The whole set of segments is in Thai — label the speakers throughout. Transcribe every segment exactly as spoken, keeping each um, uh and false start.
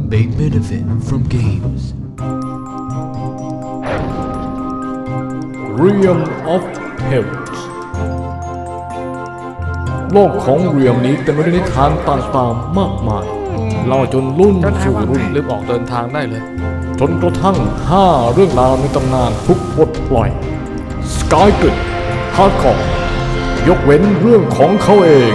Speaker 1: may benefit from games.
Speaker 2: Realm of Tales โลกของเรียมนี้เต็มไปด้วยนิทานต่างๆมากมายเล่าจนรุ่นสู่รุ่นรีบออกเดินทางได้เลยจนกระทั่งห้าเรื่องราวในตำนานทุกบทปล่อยสกายกริดฮาร์ดคอร์ยกเว้นเรื่องของเขาเอง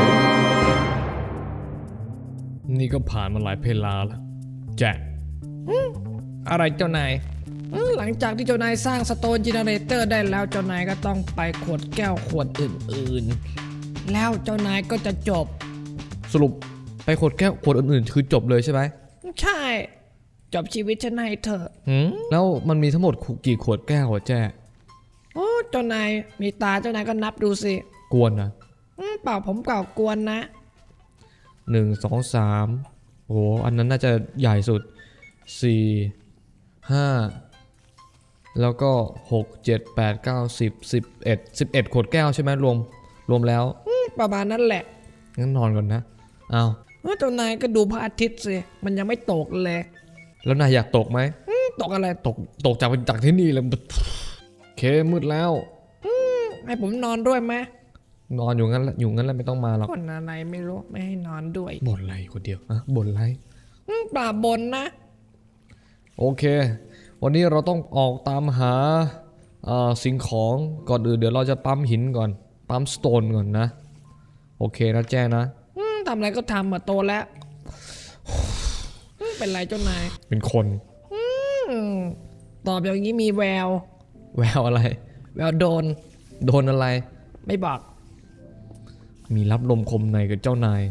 Speaker 2: นี่ก็ผ่านมาหลายเพลาแล้วแจ็คอะไรเจ้านาย
Speaker 3: หลังจากที่เจ้านายสร้างสโตนเจเนเรเตอร์ได้แล้วเจ้านายก็ต้องไปขวดแก้วขวดอื่นๆแล้วเจ้านายก็จะจบ
Speaker 2: สรุปไปขวดแก้วขวดอื่นๆคือจบเลยใช่ไหม
Speaker 3: ใช่จบชีวิตฉันให้เธอ
Speaker 2: แล้วมันมีทั้งหมดกี่ขวดแก้วอะแจ้
Speaker 3: โอ้เจ้านายมีตาเจ้านายก็นับดูสิ
Speaker 2: กวนนะ
Speaker 3: เปล่าผมเปล่ากวนนะ
Speaker 2: หนึ่งสองสามโอ้อันนั้นน่าจะใหญ่สุดสี่ห้าแล้วก็หกเจ็ดแปดเก้าสิบสิบเอ็ดสิบเอ็ดขวดแก้วใช่ไหมรวมรวมแล้ว
Speaker 3: ประมาณนั้นแหละ
Speaker 2: งั้นนอนก่อนนะอ้าว
Speaker 3: เจ้านายก็ดูพระอาทิตย์สิมันยังไม่ตกเลย
Speaker 2: แล้วนายอยากตกไหม
Speaker 3: ตกอะไร
Speaker 2: ตกตกจากจากที่นี่เลยโอเคมืดแล้ว
Speaker 3: ให้ผมนอนด้วยไหม
Speaker 2: นอนอยู่งั้นอยู่งั้นแล้วไม่ต้องมาหรอก
Speaker 3: คนอะไรไม่รู้ไม่ให้นอนด้วย
Speaker 2: บ่นอะไรคนเดียวอะบ่นอะไร
Speaker 3: ป่าบ่นนะ
Speaker 2: โอเควันนี้เราต้องออกตามหาสิ่งของก่อนอื่นเดี๋ยวเราจะปั๊มหินก่อนปั๊มสโตนก่อนนะโอเคนะแจ้นะ
Speaker 3: ทำอะไรก็ทำมาโตแล้วเป็นไรเจ้านาย
Speaker 2: เป็นคน
Speaker 3: ตอบอย่างนี้มีแวว
Speaker 2: แววอะไร
Speaker 3: แววโดน
Speaker 2: โดนอะไร
Speaker 3: ไม่บอก
Speaker 2: มีรับลมคมในกับเจ้านาย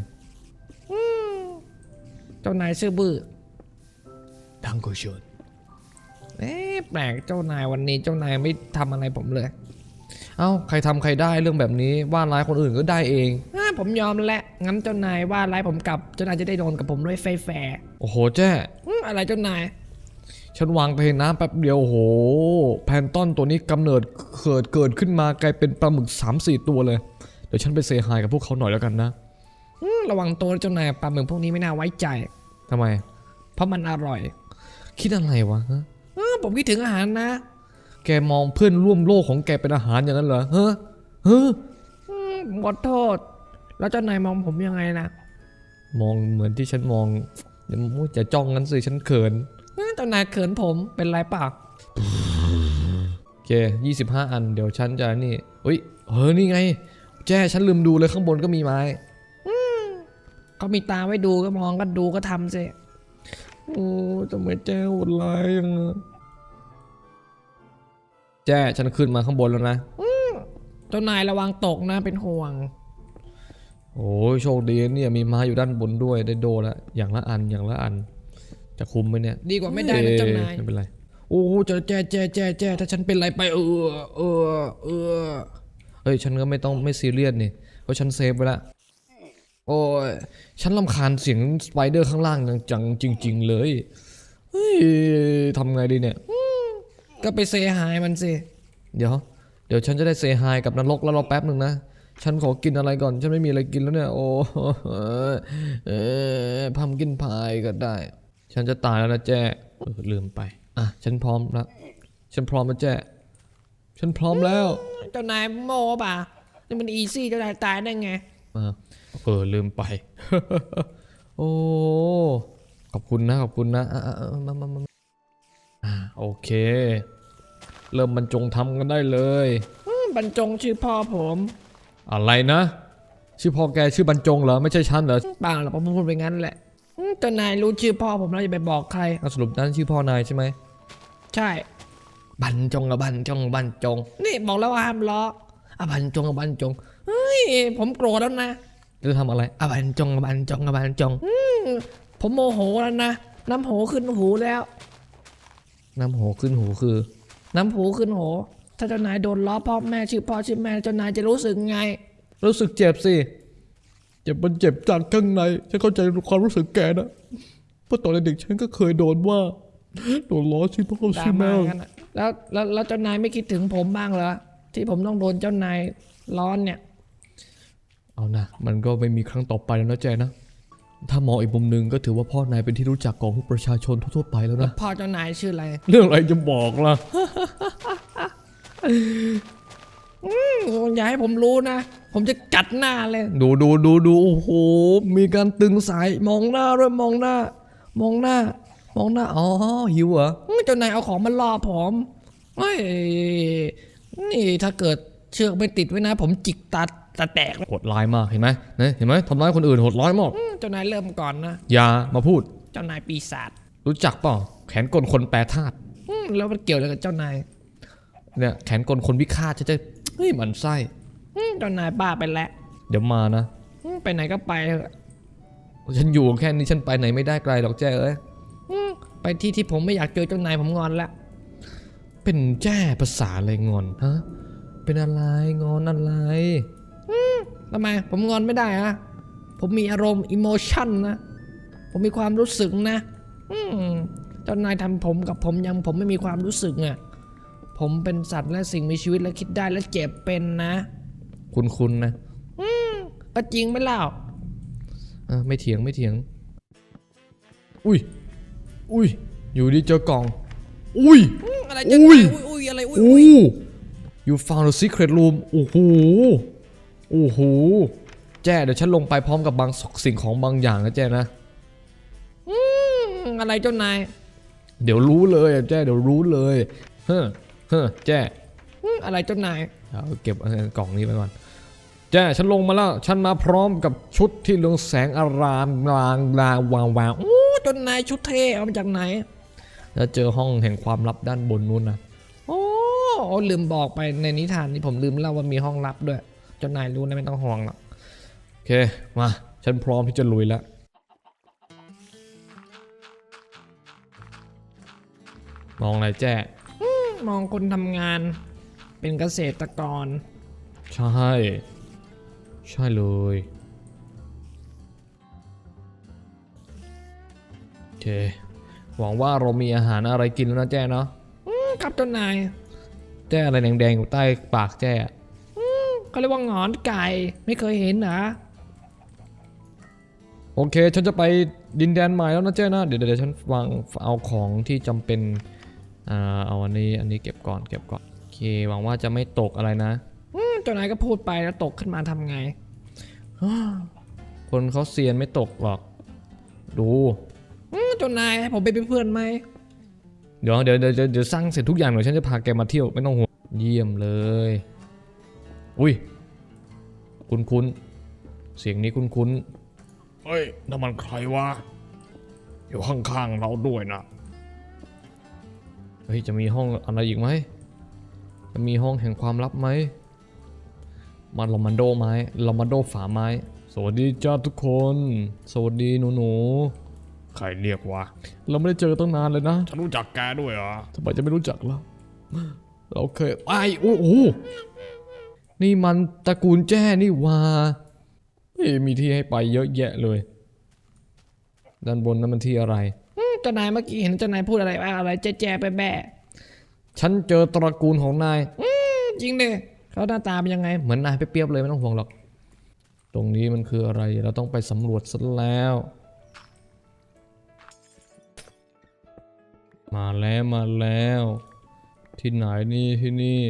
Speaker 3: เจ้านายซื่อบื้อ
Speaker 2: ดังโกชน
Speaker 3: เอ๊ะแปลกเจ้านายวันนี้เจ้านายไม่ทำอะไรผมเลย
Speaker 2: เอ้าใครทำใครได้เรื่องแบบนี้ว่าร้ายคนอื่นก็ได้เอง
Speaker 3: ผมยอมแหละงั้นเจ้านายว่าร้ายผมกลับเจ้านายจะได้โดนกับผมด้วยไฟแฝง
Speaker 2: โอ้โหแจ้
Speaker 3: อะไรเจ้านาย
Speaker 2: ฉันวางไปน้ำแป๊บเดียวโอ้โหแพนต้นตัวนี้กำเนิดเกิดเกิดขึ้นมากลายเป็นปลาหมึก สามสี่ ตัวเลยเดี๋ยวฉันไปเซฮายกับพวกเขาหน่อยแล้วกันนะ
Speaker 3: ระวังตัวเจ้านายปลาหมึกพวกนี้ไม่น่าไว้ใจ
Speaker 2: ทำไม
Speaker 3: เพราะมันอร่อย
Speaker 2: คิดอะไรวะฮะ
Speaker 3: ผมคิดถึงอาหารนะ
Speaker 2: แกมองเพื่อนร่วมโลกของแกเป็นอาหารอย่างนั้นเหรอเฮ้อเฮ้อ
Speaker 3: ขอโทษแล้วเจ้านายมองผมยังไงนะ
Speaker 2: มองเหมือนที่ฉันมองอย่าจะจ้องงั้นสิฉันเขิน
Speaker 3: เจ้านายเขินผมเป็นไรเปล่า
Speaker 2: โอเคยี่สิบห้าอันเดี๋ยวฉันจะนี่เฮ้ยเฮ้ยนี่ไงแจ้ฉันลืมดูเลยข้างบนก็มีไม้
Speaker 3: เขามีตาไว้ดูก็มองก็ดูก็ทำสิ
Speaker 2: โอ้ทำไมแจ้โหดร้ายยังแจ้ฉันขึ้นมาข้างบนแล้วนะ
Speaker 3: เจ้านายระวังตกนะเป็นห่วง
Speaker 2: โอ้ยโชคดีเนี่ยมีไม้อยู่ด้านบนด้วยได้โดแล้วอย่างละอันอย่างละอันจะคุมไหมเนี่ย
Speaker 3: ดีกว่าไม่ได้นะเจ้านาย
Speaker 2: ไม่เป็นไรโอ้จะแจ้แจ้แจ้แจ้ถ้าฉันเป็นไรไปเออเออเออเฮ้ยฉันก็ไม่ต้องไม่ซีเรียสนี่เพราะฉันเซฟไว้ละโอ้ยฉันรำคาญเสียงสไปเดอร์ข้างล่างจังจริงๆเลยเฮ้ยทำไงดีเนี่ย
Speaker 3: ก็ไปเซฮายมันสิ
Speaker 2: เดี๋ยวเดี๋ยวฉันจะได้เซฮายกับนรกแล้วรอแป๊บหนึ่งนะฉันขอกินอะไรก่อนฉันไม่มีอะไรกินแล้วเนี่ยโอ้เออพัมกินพายก็ได้ฉันจะตายแล้วนะแจ้เออลืมไปอ่ะฉันพร้อมแล้วฉันพร้อมแล้วแจ้ฉันพร้อมแล้ว
Speaker 3: เจ้านายโม่ป่ะนี่มันอีซี่เจ้านายตายได้ไง
Speaker 2: เออลืมไปโอ้ขอบคุณนะขอบคุณนะมามามาอ่าโอเคเริ่มบรรจงทำกันได้เลย
Speaker 3: บรรจงชื่อพ่อผม
Speaker 2: อะไรนะชื่อพ่อแกชื่อบรรจงเหรอไม่ใช่ฉันเหรอ
Speaker 3: เปล่าหรอกผมพูดไปงั้นแหละเจ้านายรู้ชื่อพ่อผมแล้วจะไปบอกใคร
Speaker 2: สรุปนั้นชื่อพ่อนายใช่ไหม
Speaker 3: ใช่
Speaker 2: บรรจงกับบรรจงบรรจง
Speaker 3: นี่บอกแล้วว่าห้ามล้อ
Speaker 2: อ่ะบรรจงกับบรรจง
Speaker 3: เฮ้ยผมโกรธแล้วนะ
Speaker 2: จะทำอะไรอ่ะบรรจงกับบรรจงกับบรรจง
Speaker 3: ผมโมโหแล้วนะน้ำโหขึ้นหูแล้ว
Speaker 2: น้ำโหขึ้นหูคือ
Speaker 3: น้ำหูขึ้นหูถ้าเจ้านายโดนล้อพ่อแม่ชื่อพ่อชื่อแม่เจ้านายจะรู้สึกไง
Speaker 2: รู้สึกเจ็บสิเจ็บมันเจ็บจากข้างในฉันเข้าใจความรู้สึกแกนะเพราะตอนเด็กฉันก็เคยโดนว่าโดนล้อชื่อพ่อชื่อแม่
Speaker 3: แล้วแล้วแล้วเจ้านายไม่คิดถึงผมบ้างเหรอที่ผมต้องโดนเจ้านายล้อเนี่ย
Speaker 2: เอานะมันก็ไม่มีครั้งต่อไปแล้วนะแจนะถ้ามองอีกมุมหนึ่งก็ถือว่าพ่อนายเป็นที่รู้จักของประชาชนทั่วๆไปแล้วนะ
Speaker 3: พ่อเจ้านายชื่ออะไร
Speaker 2: เรื่องอะไรจะบอกล่ะ
Speaker 3: อย่าให้ผมรู้นะ ผมจะกัดหน้าเลย
Speaker 2: ดูดูดูดูโอ้โหมีการตึงสายมองหน้าด้วยมองหน้า มองหน้า มองหน้าอ๋อหิวเหรอ
Speaker 3: เจ้านายเอาของมาล่อผมเฮ้ยนี่ถ้าเกิดเชือกไม่ติดไว้นะ ผมจิกตัดตาแตก
Speaker 2: โหดร้ายมากเห็นไหมเนี่ยเห็นไหมทำร้ายคนอื่นโหดร้ายมาก
Speaker 3: อืมเจ้านายเริ่มก่อนนะ
Speaker 2: อย่ามาพูด
Speaker 3: เจ้านายปีศาจ
Speaker 2: รู้จักเปล่าแขนกลคนแปรธาตุ
Speaker 3: อืมแล้วมันเกี่ยวอะไรกับเจ้านาย
Speaker 2: เนี่ยแขนกลคนวิฆาตจะจะเฮ้ยมันไส้
Speaker 3: อืมเจ้านายบ้าไปแล้ว
Speaker 2: เดี๋ยวมานะ
Speaker 3: อืมไปไหนก็ไปเถอะ
Speaker 2: ฉันอยู่แค่นี้ฉันไปไหนไม่ได้ไกลหรอกแจ้เอ้ย
Speaker 3: อืมไปที่ที่ผมไม่อยากเจอเจ้านายผมงอนละ
Speaker 2: เป็นแจ้ภาษาอะไรงอนฮะเป็นอะไรงอนอะไร
Speaker 3: ทำไมผมงอนไม่ได้อะผมมีอารมณ์อิโมชันนะผมมีความรู้สึกนะอืมเจ้านายทำผมกับผมยังผมไม่มีความรู้สึกอ่ะผมเป็นสัตว์และสิ่งมีชีวิตและคิดได้และเจ็บเป็นนะ
Speaker 2: คุณคุณนะ
Speaker 3: อืมก็จริงไหมเล่า
Speaker 2: อ่ะไม่เถียงไม่เถียง อุ้ยอุ้ยอยู่ดีเจอกล่อง อุ้ย
Speaker 3: อืมอะไรจะ
Speaker 2: อุ้
Speaker 3: อุ้
Speaker 2: ย
Speaker 3: ยอุ้ยอะไรอุ้ย
Speaker 2: โอ้
Speaker 3: อุ้ย
Speaker 2: you found a secret room โอ้โหโอ้โหแจ้เดี๋ยวฉันลงไปพร้อมกับบางสิ่งของบางอย่างนะแจ้นะ
Speaker 3: อืมอะไรเจ้านาย
Speaker 2: เดี๋ยวรู้เลยอะแจ้เดี๋ยวรู้เลยเฮ้อเฮ้อแจ้
Speaker 3: อืมอะไรเจ้านาย
Speaker 2: เอาเก็บกล่องนี้ไปก่อนแจ้ฉันลงมาแล้วฉันมาพร้อมกับชุดที่เรืองแสงอารามลางลางวางวาง
Speaker 3: โอ้เจ้านายชุดเท่เอามาจากไหน
Speaker 2: แล้วเจอห้องแห่งความลับด้านบนนู้นนะ
Speaker 3: โอ้ลืมบอกไปในนิทานนี่ผมลืมเล่าว่ามีห้องลับด้วยเจ้านายรู้นะไม่ต้องห่วงหรอก
Speaker 2: โอเคมาฉันพร้อมที่จะลุยแล้วมองอะไรแจ้
Speaker 3: มองคนทำงานเป็นเกษตรกร
Speaker 2: ใช่ใช่เลยโอเคหวังว่าเรามีอาหารอะไรกินแล้วนะแจ้เนาะ
Speaker 3: อืมครับเจ้านาย
Speaker 2: แจ้อะไรแดงๆอยู่ใต้ปากแจ้
Speaker 3: เขาเรียกว่าหงอนไก่ไม่เคยเห็นเหรอ
Speaker 2: โอเคฉันจะไปดินแดนใหม่แล้วนะแจ้นะเดี๋ยวเดี๋ยวฉันวางเอาของที่จำเป็นอ่าเอาอันนี้อันนี้เก็บก่อนเก็บก่อนโอเคหวังว่าจะไม่ตกอะไรนะ
Speaker 3: อืมเจ้านายก็พูดไปแล้วตกขึ้นมาทำไง
Speaker 2: คนเขาเซียนไม่ตกหรอกดู
Speaker 3: อืมเจ้านายให้ผมไปเป็นเพื่อนไหม
Speaker 2: เดี๋ยวเดี๋ยวเดี๋ยวเดี๋ยวสร้างเสร็จทุกอย่างเดี๋ยวฉันจะพาแกมาเที่ยวไม่ต้องห่วงเยี่ยมเลยอุ้ยคุ้นคุ้นๆเสียงนี้คุ้นคุ้นๆเฮ้ยนั่นมันใครวะอยู่ข้างๆเราด้วยนะเฮ้ยจะมีห้องอะไรอีกไหมจะมีห้องแห่งความลับไหมมาลอมันโดไม้ลอมันโดฝาไม้สวัสดีจ้าทุกคนสวัสดีหนูหนูใครเรียกวะเราไม่ได้เจอตั้งนานเลยนะฉันรู้จักแกด้วยเหรอทำไมจะไม่รู้จักล่ะเราเคยไอ้โอ้โหนี่มันตระกูลแจ้นี่ว่าเฮ้ยมีที่ให้ไปเยอะแยะเลยด้านบนนั้นมันที่อะไร
Speaker 3: อืมเจ้านายเมื่อกี้เห็นเจ้านายพูดอะไรว่าอะไรแจ๊แจ๊แบะ
Speaker 2: ฉันเจอตระกูลของนาย
Speaker 3: ๆอืมจริงดิเขาหน้าตาเป็นยังไง
Speaker 2: เหมือนนายเปรียบๆเลยไม่ต้องห่วงหรอกตรงนี้มันคืออะไรเราต้องไปสำรวจซะแล้วมาแล้วมาแล้วที่ไหนนี่ที่นี่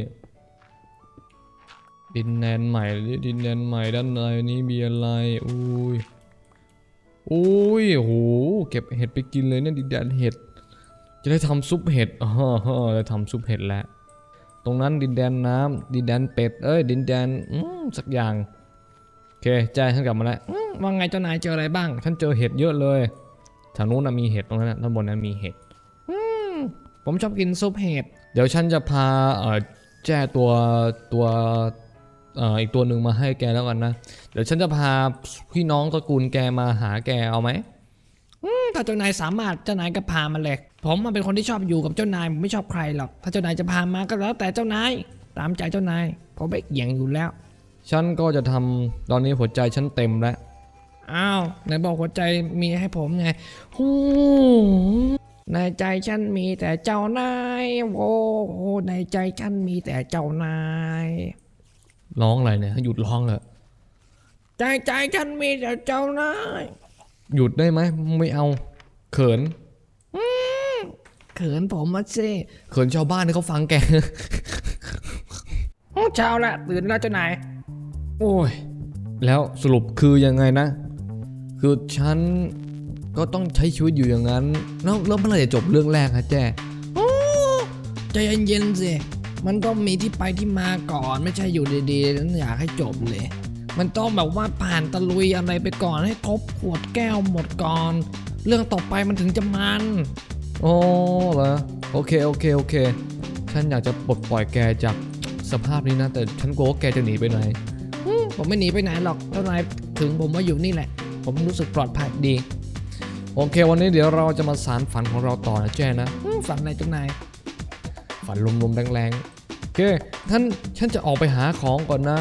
Speaker 2: ดินแดนใหม่ดินแดนใหม่ด้านในนี้มีอะไรอุ้ยอุ้ยโหเก็บเห็ดไปกินเลยเนี่ยดินแดนเห็ดจะได้ทำซุปเห็ดอ๋อจะทำซุปเห็ดแล้วตรงนั้นดินแดนน้ำดินแดนเป็ดเอ้ยดินแดนอืมสักอย่างโอเคใจฉันกลับมาแล้ว
Speaker 3: อืมว่าไงเจ้านายเจออะไรบ้าง
Speaker 2: ฉันเจอเห็ดเยอะเลยทางนู้นนะมีเห็ดตรงนั้นนะด้านบนนั้นมีเห็ด
Speaker 3: อืมผมชอบกินซุปเห็ด
Speaker 2: เดี๋ยวฉันจะพาเอ่อแจ้ตัวตัวเอ่ออีกตัวหนึ่งมาให้แกแล้วกันนะเดี๋ยวฉันจะพาพี่น้องตระกูลแกมาหาแกเอาไหม
Speaker 3: อืมถ้าเจ้านายสามารถเจ้านายก็พามาเลยผมมันเป็นคนที่ชอบอยู่กับเจ้านายผมไม่ชอบใครหรอกถ้าเจ้านายจะพามาก็แล้วแต่เจ้านายตามใจเจ้านายผมไม่เกี่ยงอยู่แล้ว
Speaker 2: ฉันก็จะทำตอนนี้หัวใจฉันเต็มแล้ว
Speaker 3: อ้าวไหนบอกหัวใจมีให้ผมไงฮู้ในใจฉันมีแต่เจ้านายโว้ในใจฉันมีแต่เจ้านาย
Speaker 2: ร้องอะไรเนี่ยหยุดร้องเลย
Speaker 3: ใจใจฉันมีแต่เจ้านาย
Speaker 2: หยุดได้ไหมไม่เอาเขิน
Speaker 3: เขินผมมาสิ
Speaker 2: เขินชาวบ้านที่เขาฟังแก
Speaker 3: โอ้เช้าละตื่นแล้วเจ้านาย
Speaker 2: โอ้ยแล้วสรุปคือยังไงนะ คือฉันก็ต้องใช้ชีวิตอยู่อย่างนั้นแล้วแล้วเมื่อไหร่จะจบเรื่องแรกฮะแจ้
Speaker 3: โอ้ใจเย็นๆสิมันต้องมีที่ไปที่มาก่อนไม่ใช่อยู่ดีๆนั้นอยากให้จบเลย มันต้องแบบว่าผ่านตะลุยอะไรไปก่อนให้ครบขวดแก้วหมดก่อน เรื่องต่อไปมันถึงจะมัน
Speaker 2: โอ้เหรอโอเคโอเคโอเคฉันอยากจะปลดปล่อยแกจากสภาพนี้นะแต่ฉันกลัวว่าแกจะหนีไปไหน
Speaker 3: อืมผมไม่หนีไปไหนหรอกเจ้านายถึงผมว่าอยู่นี่แหละ ผมรู้สึกปลอดภัยดี
Speaker 2: โอเควันนี้เดี๋ยวเราจะมาสารฝันของเราต่อนะแจ้นะ
Speaker 3: อืมฝันอะไรเจ้านาย
Speaker 2: ฝันลมๆแรงๆโอเคท่านฉันจะออกไปหาของก่อนนะ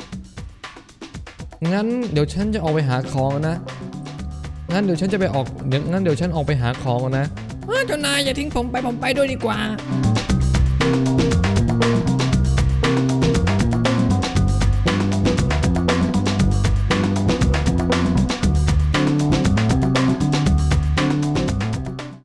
Speaker 2: งั้นเดี๋ยวฉันจะออกไปหาของนะงั้นเดี๋ยวฉันจะไปออกเดี๋ยวงั้นเดี๋ยวฉันออกไปหาของก่อนนะ
Speaker 3: เออเจ้านายอย่าทิ้งผมไปผมไปด้วยดีกว่า